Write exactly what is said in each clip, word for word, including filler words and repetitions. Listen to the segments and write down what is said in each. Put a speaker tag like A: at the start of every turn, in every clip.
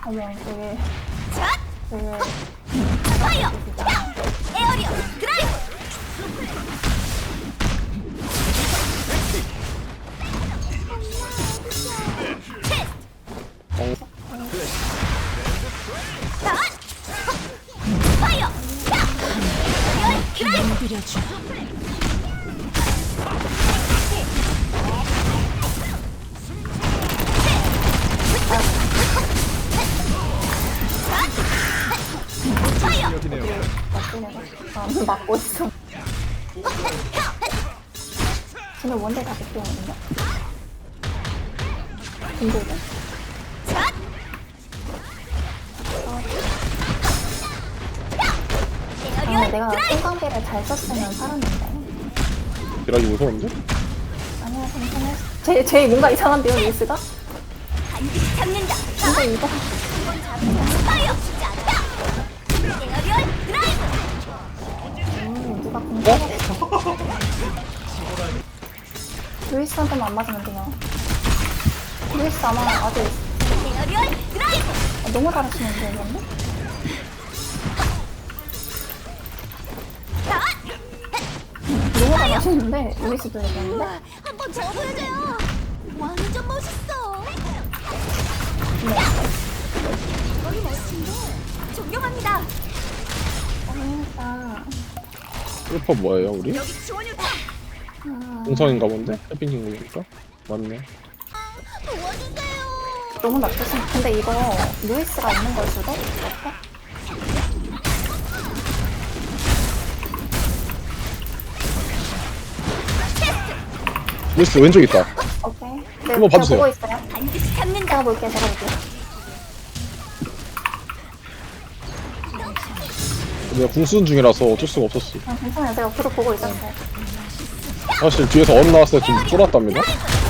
A: 어머 되게
B: 샷!
A: 되게
B: 파이어! 에어리어! 드라이브! 샷! 파이어! 에어리어! 드라이브! 파이어!
A: 나는 맞고 있어. 근데 원래 다 백종원인가? 근데 이거?
B: 샷!
A: 아,
B: 에어리어!
A: 내가
B: 드라이브!
A: 똥강비를 잘 썼으면 살았는데.
C: 딜하기 무서운데?
A: 아니야, 괜찮아. 제, 제 뭔가 이상한데요, 리스가?
B: 반드시 잡는다!
A: 근데 이거
B: 파이어! 짠다! 에어리어! 드라이브!
A: 음, 누가 공격했어? 루이스한테만 안 맞으면 돼요. 루이스 아마 아직
B: 에어리어! 드라이브!
A: 아, 너무 잘하시는데, 이건데?
B: 샷!
A: 너무 잘하시는데, 루이스도 얘기했는데?
B: 한번 더 보여줘요. 완전 멋있어.
A: 네.
B: 너무 멋진데. 존경합니다.
A: 재밌다.
C: 일퍼 뭐예요 우리?
B: 여기 지원이 다
A: 아,
C: 공성인가 본데? 해핑 친구니까? 맞네.
B: 도와주세요.
A: 너무 나쁘신 근데 이거 루이스가 있는 걸 수도? 어때?
C: 루이스 왼쪽 있다.
A: 오케이. 네,
C: 한번 봐주세요.
A: 제가 보고 있어요.
B: 반드시 잡는다.
A: 제가 볼게요, 제가 볼게요.
C: 내가 궁수는 중이라서 어쩔 수가 없었어.
A: 아, 괜찮아요. 제가 계속 보고 있었어요.
C: 사실 뒤에서 언 나왔을 때 좀 쫄았답니다.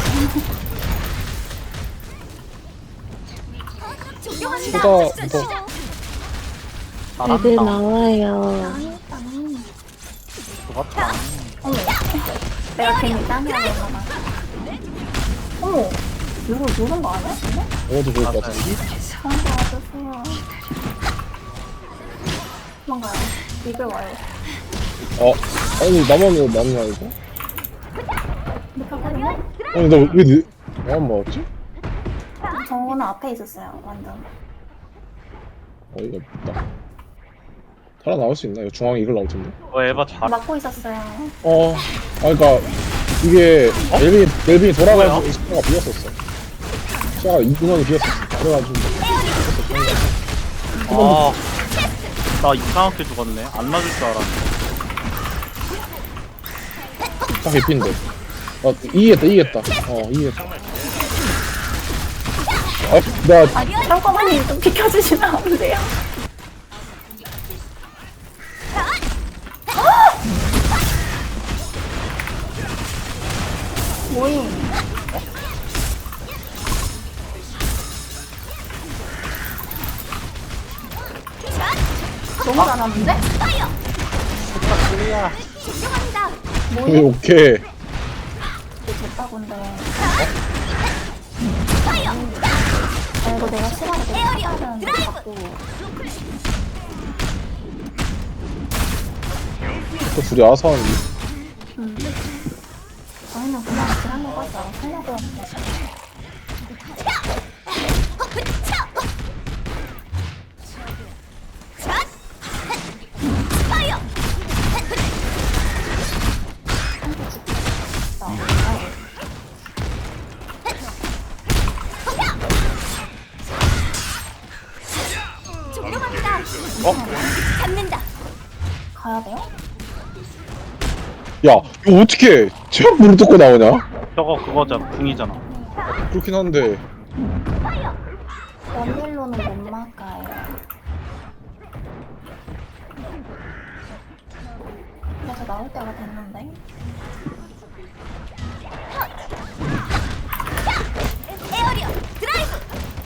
B: 존경합니다.
C: 보다
B: 진짜.
C: 더
D: 애들 나와요.
A: 아니,
C: 좋았다.
A: 어머. 내가 괜히 땀이라고 했나봐. 어머. 누구, 누군 거 아니야? 근데?
C: 어도 좋을 것 같은데.
A: 저한테 와주세요. 도망가요. 이글 와요.
C: 어? 아니 나만 왜 나는 아니고?
A: 못하거든요?
C: 아니 나왜 니... 나만 맞았지?
A: 저는 앞에 있었어요, 완전.
C: 어이가 없다. 살아나올 수 있나? 이거 중앙에 이걸 나올 텐데.
E: 어 에바 잘
A: 막고 있었어요.
C: 어, 아, 그니까, 이게, 멜빈이, 멜빈이 돌아가서 시야가 비었었어. 시야가 이 인원이 비었었어. 그래가지고,
E: 아, 나 이상하게 죽었네. 안 맞을 줄 알았는데.
C: 딱 개피인데. 아, 이기겠다, 이기겠다. 어, 이기겠다. 아, 나,
A: 아, 잠깐만요. 좀 비켜주시면 안 돼요? 모임. 너무 잘하는데?
B: 파이어.
E: 클리야.
B: 존경합니다.
C: 오케이, 오케이.
A: 이게 됐다곤데.
B: 파이어.
A: 아, 이거 내가 시간을 계속
B: 에어리어,
A: 써야 되는데,
B: 드라이브.
A: 자꾸.
C: 또 둘이 아사하는
A: 음. 저희는 그냥 지난 거 가서 살려고 했는데.
B: 샷. 파이어. 존경합니다.
C: 어?
B: 잡는다.
A: 가야 돼요?
C: 야, 이거 어떻게, 제약 물을 뜯고 나오냐?
E: 저거 그거잖아. 궁이잖아.
C: 그렇긴 한데,
A: 원딜로는 못 막아요. 그래서 나올 때가 됐는데.
B: 에어리어. 드라이브.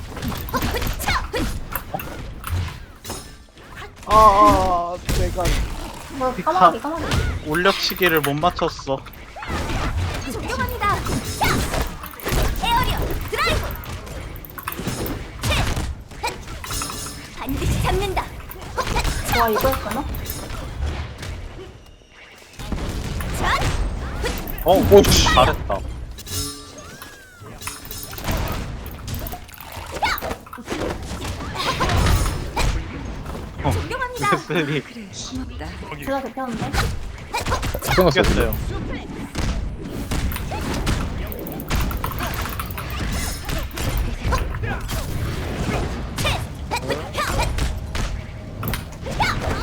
E: 아, 아, 내가
A: 뭐,
E: 피카.
A: 까마귀, 까마귀.
E: 올려치기를 못 맞췄어.
B: 존경합니다. 에어리어. 드라이브. 반드시 잡는다.
A: 와, 이거였구나?
E: 어,
C: 오, 씨.
E: 잘했다. 어,
B: 존경합니다.
E: 셀이
A: 제가 대표인데?
C: 끝났어.
E: 이겼어요.